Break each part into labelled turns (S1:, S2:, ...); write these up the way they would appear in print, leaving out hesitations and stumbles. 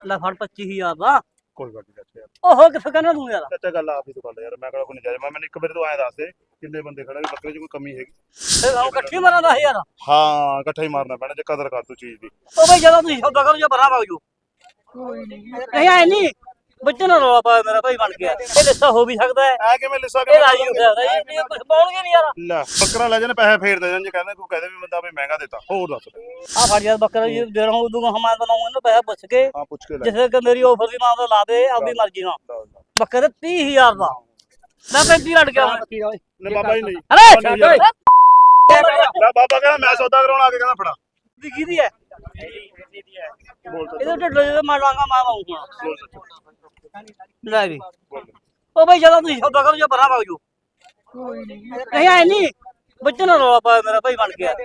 S1: ਲੈ ਫੜ 25000 ਦਾ।
S2: ਕੋਈ ਗੱਲ ਨਹੀਂ ਯਾਰ।
S1: ਓਹੋ ਕਿੱਥੇ ਕਹਿੰਦਾ ਤੂੰ ਯਾਰ?
S2: ਚਾਚਾ ਗੱਲ ਆਪ ਹੀ ਤੋਂ ਕਰ ਯਾਰ, ਮੈਂ ਕਿਹੜਾ ਕੋਈ ਨਜਾਇਜ਼। ਮੈਨੂੰ ਇੱਕ ਵਾਰੀ ਤੂੰ ਐਂ ਦੱਸ ਦੇ ਕਿੰਨੇ ਬੰਦੇ ਖੜੇ ਵੀ ਬੱਕਰੇ 'ਚ ਕੋਈ ਕਮੀ ਹੈਗੀ?
S1: ਫਿਰ ਉਹ ਇਕੱਠੀ ਮਾਰਾਂ 10000।
S2: ਹਾਂ ਇਕੱਠਾ ਹੀ ਮਾਰਨਾ ਪੈਣਾ ਜੇ ਕਦਰ ਕਰ ਤੂੰ ਚੀਜ਼ ਦੀ।
S1: ਉਹ ਬਈ ਜਦੋਂ ਤੁਸੀਂ ਸੌਦਾ ਕਰੋ ਜਾਂ ਬਰਾ ਵਗ ਜਾਓ। ਨਹੀਂ ਆਏ ਨਹੀਂ ਬੱਚੇ ਨਾਲ ਰੌਲਾ ਪਾਇਆ ਮੇਰਾ ਭਾਈ ਬਣ ਗਿਆ। ਇਹ ਲਿੱਸਾ ਹੋ ਵੀ ਸਕਦਾ ਹੈ,
S2: ਐ ਕਿਵੇਂ ਲਿਸਾ
S1: ਇਹ ਰਾਜੀ ਹੋ ਸਕਦਾ ਹੈ, ਇਹ ਕੁਝ ਪਾਉਣਗੇ ਨਹੀਂ ਯਾਰ।
S2: ਲੈ ਬੱਕਰਾ ਲੈ ਜਾਣ ਪੈਸੇ ਫੇਰ ਦੇ ਜਾਣ, ਜੇ ਕਹਿੰਦੇ ਕੋਈ ਕਹਦੇ ਵੀ ਬੰਦਾ ਵੀ ਮਹਿੰਗਾ ਦਿੱਤਾ। ਹੋਰ ਦੱਸ
S1: ਆ ਫੜ ਯਾਰ ਬੱਕਰਾ ਜੀ ਦੇ ਰਹਾ ਉਦੋਂ ਹਮਾਂ ਬਣਾਉਂਗਾ ਨਾ ਪੈਸਾ ਪੁੱਛ ਕੇ।
S2: ਹਾਂ ਪੁੱਛ ਕੇ ਲੈ
S1: ਜਿਸੇ ਕਿ ਮੇਰੀ ਆਫਰ ਦੀ ਮਾਂ ਦਾ ਲਾ ਦੇ ਆਪਣੀ ਮਰਜ਼ੀ ਨਾਲ। ਬੱਕਰੇ 30000 ਦਾ ਮੈਂ 35 ਲੜ ਗਿਆ
S2: ਨੇ ਬਾਬਾ ਹੀ ਨਹੀਂ।
S1: ਅਰੇ
S2: ਲੈ ਬਾਬਾ ਕਹਿੰਦਾ ਮੈਂ ਸੌਦਾ ਕਰਾਉਣ ਆ ਕੇ ਕਹਿੰਦਾ ਫੜਾ
S1: ਦੀ ਕਿਹਦੀ ਹੈ?
S2: ਬੋਲ
S1: ਇਹਦੇ ਢਿੱਡ ਜਿਹੇ ਮਾਰ ਲਾਂਗਾ ਮੈਂ ਆਉਂਗਾ।
S2: ਬੋਲ ਸੱਚ
S1: ਲੈ ਵੀ ਉਹ ਬਈ ਜਦੋਂ ਤੁਸੀਂ ਸੌਦਾ ਕਰੋ ਜਾਂ ਬਰਾ ਵਗ ਜਾਓ। ਨਹੀਂ ਆਏ ਨਹੀਂ ਬੱਚੇ ਨਾਲ ਰੌਲਾ ਪਾਇਆ ਮੇਰਾ ਭਾਈ ਬਣ ਗਿਆ।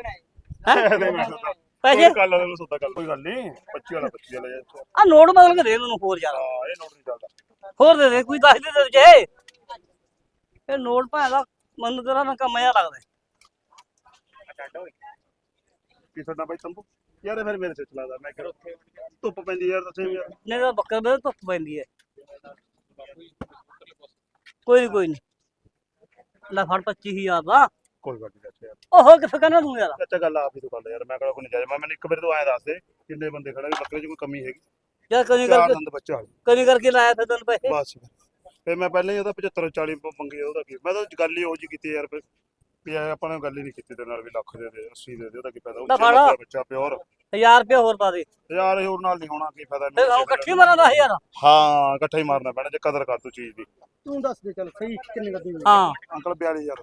S1: ਪੈਸੇ
S2: ਕੱਲ ਵਾਲੇ ਨੂੰ ਸੌਦਾ ਕਰ ਕੋਈ ਗੱਲ ਨਹੀਂ। 25 ਵਾਲਾ 25 ਵਾਲਾ ਯਾਰ।
S1: ਆ ਨੋਟ ਬਦਲ ਕੇ ਦੇ ਮੈਨੂੰ ਹੋਰ ਯਾਰ।
S2: ਹਾਂ ਇਹ ਨੋਟ ਨਹੀਂ ਚੱਲਦਾ।
S1: ਹੋਰ ਦੇ ਦੇ ਕੋਈ ਦੱਸ ਦੇ ਦੇ ਜੇ ਇਹ ਨੋਟ ਭਾਂ ਦਾ ਮੈਨੂੰ ਤੇਰਾ ਨਾ ਕੰਮ ਜਿਹਾ ਲੱਗਦਾ।
S2: ਕੀ ਤੁਹਾਡਾ ਬਾਈ ਤੰਬੂ ਯਾਰ ਫਿਰ ਮੇਰੇ ਸਿਰ ਚਲਾਦਾ। ਮੈਂ ਕਿਹਾ ਧੁੱਪ ਪੈਂਦੀ ਯਾਰ ਦੱਸੇ ਯਾਰ।
S1: ਨਹੀਂ ਤਾਂ ਬੱਕਰ ਦੇ ਧੁੱਪ ਪੈਂਦੀ ਹੈ। ਕੋਈ ਨਹੀਂ ਲੈ ਫੜ 25000 ਦਾ।
S2: ਕੋਈ ਗੱਲ ਨਹੀਂ ਯਾਰ।
S1: ਓਹੋ ਕਿੱਥੇ ਕਹਿੰਦਾ ਤੂੰ ਯਾਰ?
S2: ਚਾਚਾ ਗੱਲ ਆਪ ਹੀ ਤੋਂ ਕਰ ਯਾਰ, ਮੈਂ ਕਿਹੜਾ ਕੋਈ ਨਜਾਇਜ਼। ਮੈਨੂੰ ਇੱਕ ਵਾਰੀ ਤੂੰ ਐਂ ਦੱਸ ਦੇ ਕਿੰਨੇ ਬੰਦੇ ਖੜੇ ਵੀ ਬੱਕਰੇ 'ਚ ਕੋਈ ਕਮੀ ਹੈਗੀ?
S1: ਯਾਰ ਕਦੀ
S2: ਚਾਰ
S1: ਕਰਕੇ
S2: ਦੰਦ ਬੱਚਾ
S1: ਕਦੀ ਕਰਕੇ ਲਾਇਆ ਫਿਰ ਤੈਨੂੰ ਪੈਸੇ।
S2: ਬਸ ਫਿਰ ਮੈਂ ਪਹਿਲਾਂ ਹੀ ਉਹਦਾ 75 40 ਮੰਗੇ। ਉਹਦਾ ਕੀ ਮੈਂ ਤਾਂ ਗੱਲ ਹੀ ਉਹੋ ਜਿਹੀ ਕੀਤੀ ਯਾਰ। ਵੀ ਆਪਾਂ ਨੇ ਗੱਲ ਹੀ ਨਹੀਂ ਕੀਤੀ ਤੇ ਨਾਲ ਵੀ ਲੱਖ ਦੇ ਦੇ 80 ਦੇ ਦੇ। ਉਹਦਾ ਕੀ ਫਾਇਦਾ? ਉੱਚਾ ਬੱਚਾ ਪਿਓਰ
S1: 1000 ਰੁਪਏ ਹੋਰ ਪਾ ਦੇ
S2: ਯਾਰ। ਹੋਰ ਨਾਲ ਨਹੀਂ ਹੋਣਾ, ਕੀ ਫਾਇਦਾ?
S1: ਫਿਰ ਉਹ ਇਕੱਠੀ ਮਾਰਾਂ 10000।
S2: ਹਾਂ ਇਕੱਠਾ ਹੀ ਮਾਰਨਾ ਪੈਣਾ ਜੇ ਕਦਰ ਕਰ ਤੂੰ ਚੀਜ਼ ਦੀ।
S3: ਤੂੰ ਦੱਸ ਦੇ ਚੱਲ ਸਹੀ ਕਿੰਨੇ ਕਰਦੀ ਹੋਈ?
S1: ਹਾਂ
S2: ਅੰਕਲ 42000।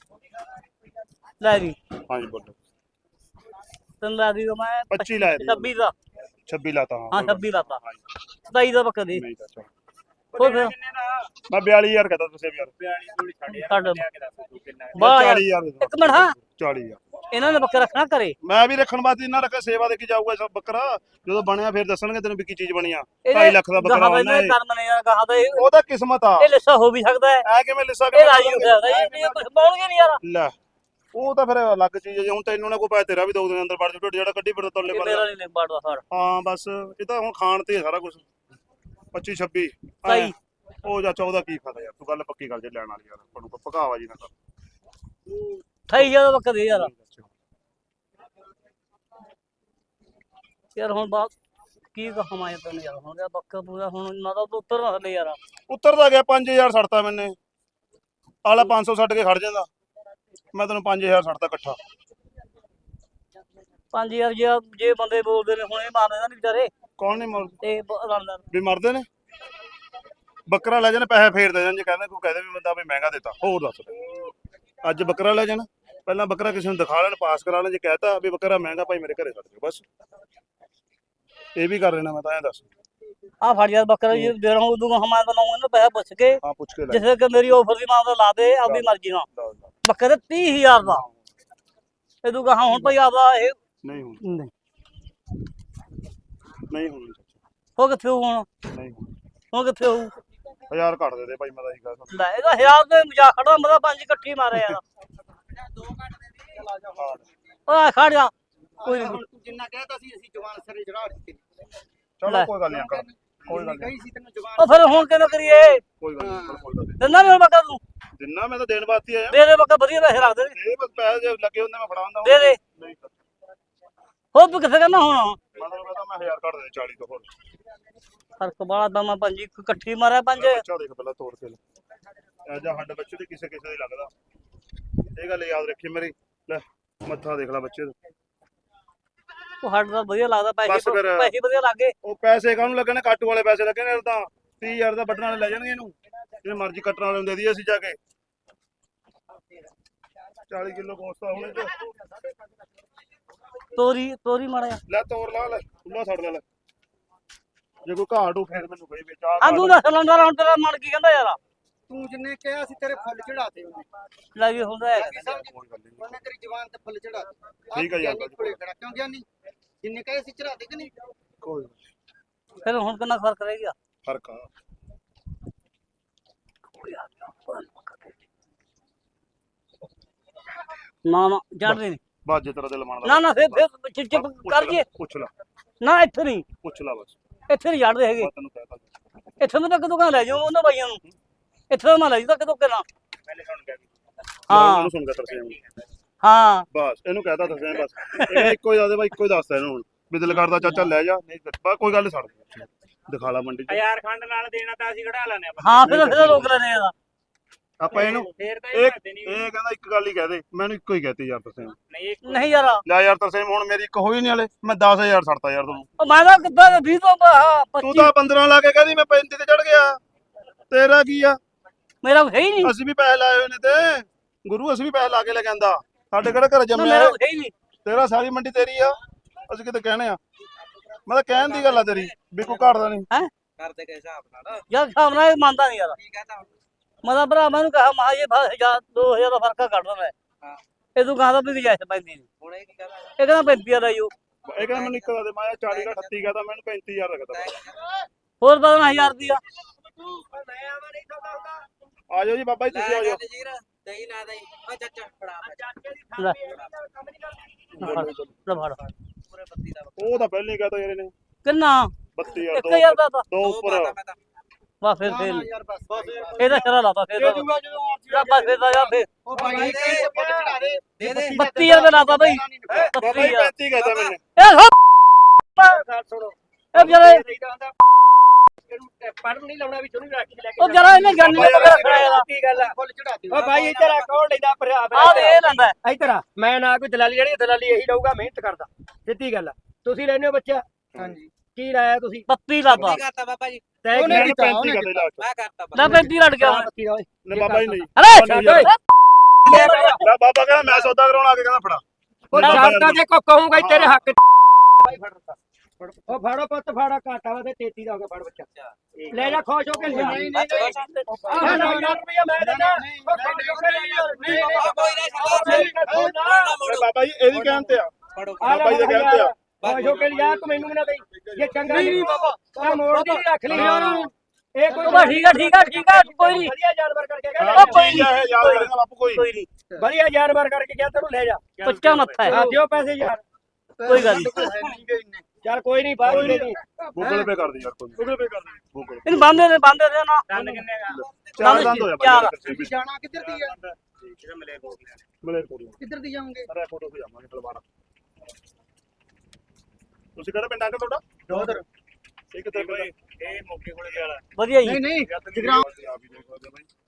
S1: ਲੈ ਵੀ
S2: ਹਾਂਜੀ ਬੋਲੋ।
S1: ਤੈਨੂੰ ਲਾ ਦੀ ਮੈਂ
S2: 25 ਲਾਇਆ ਦੀ।
S1: 26 ਦਾ।
S2: 26 ਲਾਤਾ।
S1: ਹਾਂ 26 ਲਾਤਾ। 27 ਦਾ ਬੱਕਰ ਦੇ
S2: ਨਹੀਂ ਚਾਚਾ
S1: ਹੋਰ ਫਿਰ
S2: ਮੈਂ 42000 ਕਹਤਾ ਤੁਸੀਂ ਯਾਰ।
S1: ਛੱਡ
S2: 40000
S1: ਇੱਕ ਮਿੰਟ। ਹਾਂ
S2: 40000
S1: ਇਹਨਾਂ ਨੇ ਬੱਕਰ ਰੱਖਣਾ ਕਰੇ।
S2: ਮੈਂ ਵੀ ਰੱਖਣ ਵਾਸਤੇ ਇਹਨਾਂ ਰੱਖਿਆ। ਸੇਵਾ ਦੇ ਕੇ ਜਾਊਗਾ ਸਭ ਬੱਕਰਾ। ਜਦੋਂ ਬਣਿਆ ਫਿਰ ਦੱਸਣਗੇ ਤੈਨੂੰ ਵੀ ਕੀ ਚੀਜ਼ ਬਣੀ ਆ। 2.5 ਲੱਖ ਦਾ ਬੱਕਰਾ ਬਣਨਾ ਹੈ।
S1: ਕਰਮ ਨੇ ਯਾਰ ਕਹਾ ਤਾਂ
S2: ਉਹਦਾ ਕਿਸਮਤ ਆ।
S1: ਇਹ ਲਿੱਸਾ ਹੋ ਵੀ ਸਕਦਾ ਹੈ,
S2: ਐ ਕਿਵੇਂ ਲਿਸਾ
S1: ਇਹ ਰਾਜੀ ਹੋ ਸਕਦਾ ਹੈ, ਇਹ ਕੁਝ ਪਾਉਣਗੇ ਨਹੀਂ ਯਾਰ।
S2: ਲੈ ਉਹ ਤਾਂ ਫਿਰ ਅਲੱਗ ਚੀਜ਼ ਹੈ ਜੀ। ਹੁਣ ਤੈਨੂੰ ਨਾ ਕੋਈ ਪਾਇਆ ਤੇਰਾ ਵੀ ਦੋ ਦਿਨ ਅੰਦਰ ਵੜ ਜੂ। ਜਿਹੜਾ ਕੱਢੀ ਫਿਰ ਤੋਲੇ
S1: ਇਹ
S2: ਪਰ
S1: ਮੇਰਾ ਨਹੀਂ ਬਾੜਦਾ ਸਰ।
S2: ਹਾਂ ਬਸ ਇਹ ਤਾਂ ਹੁਣ ਖਾਣ ਤੇ ਸਾਰਾ ਕੁਝ। 25 26
S1: ਸਹੀ
S2: ਉਹ ਜਾਂ 14 ਕੀ ਫਾਇਦਾ ਯਾਰ। ਤੂੰ ਗੱਲ ਪੱਕੀ ਗੱਲ ਜੇ ਲੈਣ ਵਾਲੀ ਯਾਰ। ਤੁਹਾਨੂੰ ਕੋਈ ਭਗਾਵਾ ਜੀ ਨਾ ਕਰ।
S1: 28000 ਦਾ ਬੱਕਰ ਦੇ ਯਾਰ। ਯਾਰ ਹੁਣ ਬਾਤ ਕੀ ਕਹਾਂ ਮੈਂ ਤੈਨੂੰ ਯਾਰ। ਹੁਣ ਬੱਕਰ ਪੂਰਾ ਹੁਣ ਨਾ ਤਾਂ ਤੂੰ ਉੱਤਰ ਨਾ ਥੱਲੇ ਯਾਰ।
S2: ਉੱਤਰਦਾ ਗਿਆ 5000 ਛੱਡਤਾ ਮੈਨੇ। ਆਲਾ 500 ਛੱਡ ਕੇ ਖੜ ਜਾਂਦਾ। ਮੈਂ ਤੈਨੂੰ 5000 ਛੱਡਤਾ ਇਕੱਠਾ।
S1: 5000 ਜੇ ਬੰਦੇ ਬੋਲਦੇ ਨੇ ਹੁਣ ਇਹ ਮਾਰਦੇ ਨਹੀਂ ਵਿਚਾਰੇ।
S2: ਕੌਣ ਨਹੀਂ ਮਰਦੇ?
S1: ਇਹ ਰਣਦਾਰ
S2: ਵੀ ਮਰਦੇ ਨੇ। ਬੱਕਰਾ ਲੈ ਜਾਣ ਪੈਸੇ ਫੇਰ ਦੇ ਜਾਣ, ਜੇ ਕਹਿੰਦੇ ਕੋਈ ਕਹਦੇ ਵੀ ਬੰਦਾ ਵੀ ਮਹਿੰਗਾ ਦਿੱਤਾ। ਹੋਰ ਦੱਸ ਅੱਜ ਬੱਕਰਾ ਲੈ ਜਾਣ ਪਹਿਲਾਂ ਬੱਕਰਾ ਕਿਸੇ ਨੂੰ ਦਿਖਾ ਲੈਣ, ਪਾਸ ਕਰਾ ਲੈਣ। ਜੇ ਕਹਿਤਾ ਵੀ ਬੱਕਰਾ ਮਹਿੰਗਾ ਭਾਈ ਮੇਰੇ ਘਰੇ ਛੱਡ ਦਿਓ ਬਸ। ਇਹ ਵੀ ਕਰ ਲੈਣਾ ਮੈਂ ਤਾਂ ਐਂ ਦੱਸ।
S1: ਆ ਫੜ ਯਾਰ ਬੱਕਰਾ ਜੀ ਦੇ ਰਹਾ ਉਦੋਂ ਹਮਾਂ ਬਣਾਉਂਗਾ ਨਾ ਪੈਸਾ ਪੁੱਛ ਕੇ।
S2: ਹਾਂ ਪੁੱਛ ਕੇ ਲੈ
S1: ਜਿਸੇ ਕਿ ਮੇਰੀ ਆਫਰ ਦੀ ਮਾਂ ਦਾ ਲਾ ਦੇ ਆਪਣੀ ਮਰਜ਼ੀ ਨਾਲ। ਬੱਕਰੇ 30000 ਦਾ। ਇਹ ਤੂੰ ਕਹਾ ਹੁਣ ਭਾਈ ਆਪਦਾ ਇਹ
S2: ਨਹੀਂ ਹੁਣ ਨਹੀਂ ਹੁਣ
S1: ਹੋ ਕਿੱਥੇ ਹੁਣ
S2: ਨਹੀਂ
S1: ਹੁਣ ਕਿੱਥੇ ਹੋਊ?
S2: 1000 ਘੱਟ ਦੇ ਦੇ ਭਾਈ। ਮੈਂ ਤਾਂ ਇਹੀ ਕਹਾਂ
S1: ਲੈ ਇਹਦਾ 1000 ਤੇ ਮਜ਼ਾਕ ਖੜਾ ਮੇਰਾ 5 ਇਕੱਠੀ ਮਾਰੇ ਯਾਰ। ਓਏ ਖੜ ਜਾ ਕੋਈ ਨਹੀਂ।
S3: ਤੂੰ ਜਿੰਨਾ ਕਹਿਤਾ ਸੀ ਅਸੀਂ ਜਵਾਨ ਸਰੇ ਚੜਾ ਦਿੱਤੇ।
S2: ਚਲੋ ਕੋਈ ਗੱਲ ਨਹੀਂ ਅੰਕਲ, ਕੋਈ ਗੱਲ ਨਹੀਂ।
S3: ਕਹੀ ਸੀ ਤੈਨੂੰ ਜਵਾਨ।
S1: ਉਹ ਫਿਰ ਹੁਣ ਕਿਵੇਂ ਕਰੀਏ?
S2: ਕੋਈ ਗੱਲ ਨਹੀਂ ਕੋਈ ਗੱਲ
S1: ਦਿੰਦਾ ਨਹੀਂ ਬੱਕਰ ਤੂੰ?
S2: ਨਹੀਂ। ਜਿੰਨਾ ਮੈਂ ਤਾਂ ਦੇਣ ਵਾਸਤੇ ਆਇਆ।
S1: ਦੇ ਦੇ ਬੱਕਰ ਵਧੀਆ ਪੈਸੇ ਰੱਖ ਦੇ।
S2: ਇਹ ਬਸ ਪੈਸੇ ਜੇ ਲੱਗੇ ਹੁੰਦੇ ਮੈਂ ਫੜਾਉਂਦਾ।
S1: ਦੇ ਦੇ
S2: ਨਹੀਂ
S1: ਹੋਰ ਤੂੰ ਕਿੱਥੇ ਕਹਿੰਦਾ ਹੁਣ?
S2: ਮਤਲਬ ਕਹਿੰਦਾ ਮੈਂ 1000 ਘੱਟ ਦੇ 40 ਤੋਂ ਹੋਰ।
S1: ਫਰਕ ਬਾਲਾ ਦਾ ਮੈਂ 5 ਇਕੱਠੀ ਮਾਰਿਆ 5।
S2: ਬੱਚਾ ਦੇਖ ਪਹਿਲਾਂ ਤੋੜ ਕੇ ਲੈ। ਜਾ ਹੱਡ ਬੱਚੇ ਦੀ ਕਿਸੇ ਕਿਸੇ ਦੀ ਲੱਗਦਾ। ਇਹ ਗੱਲ ਯਾਦ ਰੱਖੀ ਮੇਰੀ। ਲੈ ਮੱਥਾ ਦੇਖ ਲੈ ਬੱਚੇ ਦਾ।
S1: ਉਹ ਹੱਡ ਦਾ ਵਧੀਆ ਲੱਗਦਾ।
S2: ਬਸ
S1: ਪੈਸੇ
S2: ਫਿਰ।
S1: ਪੈਸੇ ਵਧੀਆ ਲੱਗੇ।
S2: ਉਹ ਪੈਸੇ ਕਾਹਨੂੰ ਲੱਗਣੇ? ਕਾਟੂ ਵਾਲੇ ਪੈਸੇ ਲੱਗਣੇ ਨੇ। ਤਾਂ 30000 ਦਾ ਵੱਢਣ ਵਾਲੇ ਲੈ ਜਾਣਗੇ ਇਹਨੂੰ। ਜਿਹਨੇ ਮਰਜ਼ੀ ਕੱਟਣ ਵਾਲੇ ਨੂੰ ਦੇ ਦਈਏ ਅਸੀਂ ਜਾ ਕੇ। 40 ਕਿਲੋ ਗੋਸ਼ਤ ਆ ਹੁਣ।
S1: ਤੋਰੀ ਮਾਰਿਆ
S2: ਲੈ ਤੋੜ ਲਾ ਲੈ ਖੁੱਲਾ ਛੱਡ ਲੈ। ਜੇ ਕੋਈ ਘਾਟੂ ਫੇਰ ਮੈਨੂੰ ਕਹੀ ਵਿੱਚ ਆ।
S1: ਆ ਤੂੰ ਦਾ ਸਿਲੰਡਰ ਹੁਣ ਤੇਰਾ ਮਨ ਕੀ ਕਹਿੰਦਾ ਯਾਰ?
S3: ਤੂੰ ਜਿੰਨੇ ਕਿਹਾ ਸੀ ਤੇਰੇ ਫੁੱਲ ਚੜਾਤੇ ਉਹਨੇ।
S1: ਲੈ ਵੀ ਹੁੰਦਾ ਹੈ।
S2: ਕੋਈ ਗੱਲ ਨਹੀਂ।
S3: ਉਹਨੇ ਤੇਰੀ ਜਵਾਨ ਤੇ ਫੁੱਲ ਚੜਾਤੇ।
S2: ਠੀਕ ਹੈ ਯਾਰ।
S3: ਕੋਲੇ ਖੜਾ ਕਿਉਂ ਗਿਆ ਨਹੀਂ? ਜਿੰਨੇ ਕਹੇ ਸੀ ਚੜਾਤੇ ਕਿ ਨਹੀਂ?
S2: ਕੋਈ
S1: ਫਿਰ ਹੁਣ ਕਿੰਨਾ ਫਰਕ ਰਹਿ ਗਿਆ?
S2: ਫਰਕ ਆ।
S1: ਨਾ ਜਾਣਦੇ ਨਹੀਂ।
S2: ਬਾਜੇ ਤੇਰਾ ਦਿਲ ਮੰਨਦਾ।
S1: ਨਾ ਫਿਰ ਚਿਪ ਕਰ ਜੀ।
S2: ਪੁੱਛ ਲੈ
S1: ਨਾ ਇੱਥੇ ਨਹੀਂ।
S2: ਪੁੱਛ ਲੈ ਬਸ।
S1: ਇੱਥੇ ਨਹੀਂ ਛੱਡਦੇ ਹੈਗੇ।
S2: ਮੈਂ ਤੈਨੂੰ ਕਹਿਤਾ
S1: ਇੱਥੇ ਮੈਂ ਤਾਂ ਕਿਤੋਂ ਕਹਾਂ ਲੈ ਜਾਓ ਉਹਨਾਂ ਬਾਈਆਂ ਨੂੰ। ਇੱਥੇ ਤਾਂ ਮੈਂ ਲੈ ਜੂ ਤਾਂ ਕਿਤੋਂ ਕਿਹਨਾਂ। ਹਾਂ
S2: ਉਹਨੂੰ ਸੁਣ ਕੇ ਤਰਸੇਮ
S1: ਹਾਂ
S2: ਬਸ ਇਹਨੂੰ ਕਹਿਤਾ ਤਰਸੇਮ ਬਸ ਇਹ ਇੱਕੋ ਹੀ ਦੱਸਦੇ ਬਾਈ ਇੱਕੋ ਹੀ ਦੱਸਦਾ ਇਹਨੂੰ ਹੁਣ ਵੀ ਦਿਲ ਕਰਦਾ ਚਾਚਾ ਲੈ ਜਾ ਨਹੀਂ ਬਸ ਕੋਈ ਗੱਲ ਨੀ ਛੱਡ ਦਿਖਾ ਲਾ ਮੰਡੀ ਚ
S4: 1000 ਖੰਡ ਨਾਲ ਦੇਣਾ ਤਾਂ ਅਸੀਂ ਕਢਾ ਲੈਣੇ
S1: ਹਾਂ ਫਿਰ ਰੋਕ ਲੈਣੇ ਆ।
S2: ਆਪਾਂ ਇਹਨੂੰ
S4: ਫੇਰ ਤਾਂ
S2: ਇਹ
S4: ਇਹ ਕਰਦੇ ਨਹੀਂ
S2: ਇਹ ਕਹਿੰਦਾ ਇੱਕ ਗੱਲ ਹੀ ਕਹਦੇ ਮੈਨੂੰ ਇੱਕੋ ਹੀ ਕਹਤੀ ਯਾਰ ਤਰਸੇਮ
S4: ਨਹੀਂ ਇੱਕ
S1: ਨਹੀਂ ਯਾਰ
S2: ਲੈ ਯਾਰ ਤਰਸੇਮ ਹੁਣ ਮੇਰੀ ਇੱਕ ਹੋਈ ਨਹੀਂ ਹਲੇ ਮੈਂ 10000 ਛੱਡਤਾ ਯਾਰ ਤੁਹਾਨੂੰ
S1: ਉਹ ਮੈਂ ਤਾਂ ਕਿੱਦਾਂ 20 ਤੋਂ
S2: ਤੂੰ
S1: 25
S2: ਤਾਂ 15 ਲਾ ਕੇ ਕਹਿੰਦੀ ਮੈਂ 35 ਤੇ ਚੜ ਗਿਆ ਤੇਰਾ ਕੀ ਆ
S1: ਮੇਰਾ ਹੈ ਹੀ ਨਹੀਂ।
S2: ਅਸੀਂ ਵੀ ਪੈਸੇ ਲਾਏ ਹੋਏ ਨੇ ਤੇ ਗੁਰੂ ਅਸੀਂ ਵੀ ਪੈਸੇ ਲਾ ਕੇ ਲੈ ਕੇ ਆਂਦਾ ਸਾਡੇ ਕਿਹੜਾ ਘਰ ਜੰਮਿਆ
S1: ਮੇਰਾ
S2: ਹੈ?
S1: ਹੈ ਹੀ ਨਹੀਂ।
S2: ਤੇਰਾ ਸਾਰੀ ਮੰਡੀ ਤੇਰੀ ਆ ਅਸੀਂ ਕਿਤੇ ਕਹਿਣੇ ਆ ਮੈਂ ਤਾਂ ਕਹਿਣ ਦੀ ਗੱਲ ਆ ਤੇਰੀ ਵੀ ਕੋਈ ਘਟਦਾ ਨਹੀਂ
S1: ਹੈ
S3: ਕਰਦੇ ਕੇ ਹਿਸਾਬ ਨਾਲ
S1: ਯਾਰ ਹਿਸਾਬ ਨਾਲ ਇਹ ਮੰਨਦਾ ਨਹੀਂ ਯਾਰ।
S3: ਕੀ ਕਹਤਾ
S1: ਮੈਂ ਤਾਂ ਭਰਾ ਮੈਨੂੰ ਕਹਾ ਮਾ ਇਹ 2000 ਦਾ ਫਰਕ ਕੱਢ ਦਿੰਦਾ
S3: ਹਾਂ
S1: ਇਹ ਤੂੰ ਕਹਦਾ ਵੀ ਜਾਇਜ਼ ਪੈਂਦੀ ਨਹੀਂ।
S3: ਹੁਣ ਇਹ ਕੀ ਕਹਤਾ
S1: ਇਹ ਕਹਿੰਦਾ 35 ਦਾ ਯੋ
S2: ਇਹ ਕਹਿੰਦਾ ਮੈਨੂੰ ਇੱਕ ਦਾ ਦੇ ਮੈਂ 40 ਦਾ 38 ਕਹਦਾ ਮੈਨੂੰ 35000 ਰੱਖਦਾ
S1: ਹੋਰ 12000 ਦੀ ਆ।
S3: ਮੈਂ ਆਵਾ ਨਹੀਂ ਸੌਦਾ ਹੁੰਦਾ
S2: ਆ ਜਾਓ ਜੀ ਬਾਬਾ ਜੀ ਤੁਸੀਂ ਆ ਜਾਓ
S3: ਜੀਰ ਦਹੀਂ ਨਾ ਦਹੀਂ ਆ ਚਾਚਾ ਫੜਾ
S1: ਲੈ ਫੜ
S3: ਪੂਰੇ 32 ਦਾ
S2: ਉਹ ਤਾਂ ਪਹਿਲਾਂ ਹੀ ਕਹਤਾ ਯਾਰ ਇਹਨੇ
S1: ਕਿੰਨਾ
S2: 32000
S1: 1000 ਦਾ ਤਾਂ
S2: ਦੋ ਉੱਪਰ
S1: ਵਾ ਫਿਰ ਫੇਲ
S3: ਯਾਰ ਬਸ
S1: ਇਹਦਾ ਸ਼ਰਾ ਲਾਤਾ ਫਿਰ
S3: ਦੇ ਦੂੰਗਾ ਜਦੋਂ
S1: ਜਾ ਬਸ ਫਿਰ ਦਾ ਜਾ ਫਿਰ
S3: ਉਹ ਭਾਈ ਕਈ ਫੁੱਲ ਚੜਾ ਦੇ ਦੇ ਦੇ
S1: 32000 ਦਾ ਲਾਤਾ ਬਈ
S2: ਬਾਬਾ ਜੀ 35 ਕਹਤਾ ਮੈਨੇ
S1: ਇਹ ਹੋ
S3: ਸੁਣੋ
S1: ਇਹ ਵਿਚਾਰੇ
S3: ਪੜ ਨਹੀਂ ਲਾਉਣਾ ਵੀ ਚੁਣੀ ਰੱਖ ਲੈ
S1: ਉਹ ਜਰਾ ਇਹਨੇ ਜਾਨੀ ਦਾ ਪਤਾ ਰੱਖਣਾ ਇਹਦਾ
S3: ਕੀ ਗੱਲ ਆ ਫੁੱਲ ਚੜਾ ਦੇ
S5: ਓ ਭਾਈ ਇੱਧਰ ਆ ਕੌਣ ਲੈਂਦਾ ਭਰਾ
S1: ਆ ਦੇ ਇਹ ਲੈਂਦਾ
S5: ਇੱਧਰ ਆ ਮੈਂ ਨਾ ਕੋਈ ਦਲਾਲੀ ਜਿਹੜੀ ਦਲਾਲੀ ਇਹੀ ਲਊਗਾ ਮਿਹਨਤ ਕਰਦਾ ਸਿੱਧੀ ਗੱਲ ਆ ਤੁਸੀਂ ਲੈਣੇ ਹੋ ਬੱਚਾ
S3: ਹਾਂਜੀ
S5: ਕੀ ਲਾਇਆ ਤੁਸੀਂ
S1: 32 ਲਾਤਾ
S3: ਕਰਤਾ ਬਾਬਾ ਜੀ
S5: ਤੈਅ
S3: ਉਹਨੇ
S5: ਕੀ
S2: 35 ਕਹਤੇ ਲਾ ਕੇ
S3: ਮੈਂ ਕਰਤਾ
S1: ਲੈ 35 ਲੜ ਗਿਆ ਮੈਂ।
S5: ਬੱਤੀ ਦਾ ਓਏ
S2: ਨੇ ਬਾਬਾ ਜੀ ਨਹੀਂ
S1: ਅਰੇ
S5: ਛੱਡ ਓਏ
S2: ਲੈ ਬਾਬਾ ਕਹਿੰਦਾ ਮੈਂ ਸੌਦਾ ਕਰਾਉਣ ਆ ਕੇ ਕਹਿੰਦਾ ਫੜਾ
S5: ਉਹ ਛੱਡਦਾ ਜੇ ਕੋ ਕਹੂੰਗਾ ਈ ਤੇਰੇ ਹੱਕ ਭਾਈ ਫੜ ਦਿੱਤਾ ਉਹ ਫੜੋ ਪੁੱਤ ਫੜਾ ਘਾਟਾ ਵਾ ਤੇ 33 ਦਾ ਹੋ ਗਿਆ ਫੜ ਬੱਚਾ ਲੈ ਜਾ ਖੁਸ਼ ਹੋ ਕੇ ਲਿਆ
S3: ਨਹੀਂ ਨਹੀਂ
S5: ਆਹ 9 ਰੁਪਇਆ ਮੈਂ ਦਿੰਦਾ ਉਹ ਖੁਸ਼ ਹੋ ਕੇ ਲੈ ਜਾ ਨਹੀਂ
S3: ਕੋਈ
S2: ਲੈ ਬਾਬਾ ਜੀ ਇਹਦੀ ਕਹਿਣ ਤੇ ਆ
S3: ਫੜੋ
S2: ਬਾਬਾ ਜੀ ਦੇ ਕਹਿਣ ਤੇ ਆ
S5: ਖੁਸ਼ ਹੋ ਕੇ ਲਿਆ ਤੂੰ ਮੈਨੂੰ ਵੀ ਨਾ ਦੇਈ ਜੇ ਚੰਗਾ ਨਹੀਂ ਬਾਬਾ ਮੋੜ ਦੀ ਰੱਖ ਲਈ ਇਹ ਕੋਈ
S1: ਬਾ ਠੀਕ ਆ ਕੋਈ ਨਹੀਂ
S5: ਵਧੀਆ ਜਾਨਵਰ ਕਰਕੇ
S2: ਹਾਂ,
S5: ਕਹਿੰਦਾ
S1: ਕੋਈ
S2: ਠੀਕ ਹੈ ਯਾਦ ਕਰੇਗਾ ਬਾਪੂ ਕੋਈ
S1: ਕੋਈ ਨਹੀਂ
S5: ਵਧੀਆ ਜਾਨਵਰ ਕਰਕੇ ਗਿਆ ਤੈਨੂੰ ਲੈ ਜਾ
S1: ਪੱਚਾ ਮੱਥਾ ਹੈ
S5: ਆ ਦਿਓ ਪੈਸੇ ਯਾਰ
S1: ਕੋਈ ਗੱਲ ਨਹੀਂ
S5: ਚੱਲ ਕੋਈ ਨਹੀਂ ਬਾਅਦ ਵਿੱਚ ਦੇ
S2: ਗੂਗਲ ਪੇ ਕਰ ਦੇ ਯਾਰ ਕੋਈ ਗੂਗਲ ਪੇ ਕਰ ਦੇ ਗੂਗਲ
S1: ਇਹਨੂੰ ਬੰਦੇ ਨੇ ਨਾ
S4: ਦੰਦ ਕਿੰਨੇ ਦਾ
S2: ਚਾਰ ਦੰਦ ਹੋਇਆ
S1: ਚਾਰ।
S2: ਬਾਈ
S3: ਜਾਣਾ ਕਿੱਧਰ ਦੀ ਆ
S4: ਜਿਹੜਾ ਮਿਲੇ ਕੋਲ
S2: ਮਲੇਰਕੋਟਲਾ
S3: ਕਿੱਧਰ ਦੀ ਜਾਓਗੇ
S2: ਅਰੇ ਫੋਟੋ ਤੇ ਜਾਵਾਂਗੇ ਤਲਵਾਰਾ ਤੁਸੀਂ ਕਿਹੜਾ ਪਿੰਡ ਅੰਕਲ ਤੁਹਾਡਾ ਜੋਧਰ ਇਹ ਕਿੱਥੇ
S4: ਭਾਈ ਇਹ ਮੌਕੇ ਕੋਲੇ ਗਿਆ
S1: ਵਧੀਆ ਜੀ
S3: ਨਹੀਂ ਨਹੀਂ
S2: ਜਗਰਾਮ ਆਪ ਹੀ ਦੇਖ ਸਕਦੇ ਬਾਈ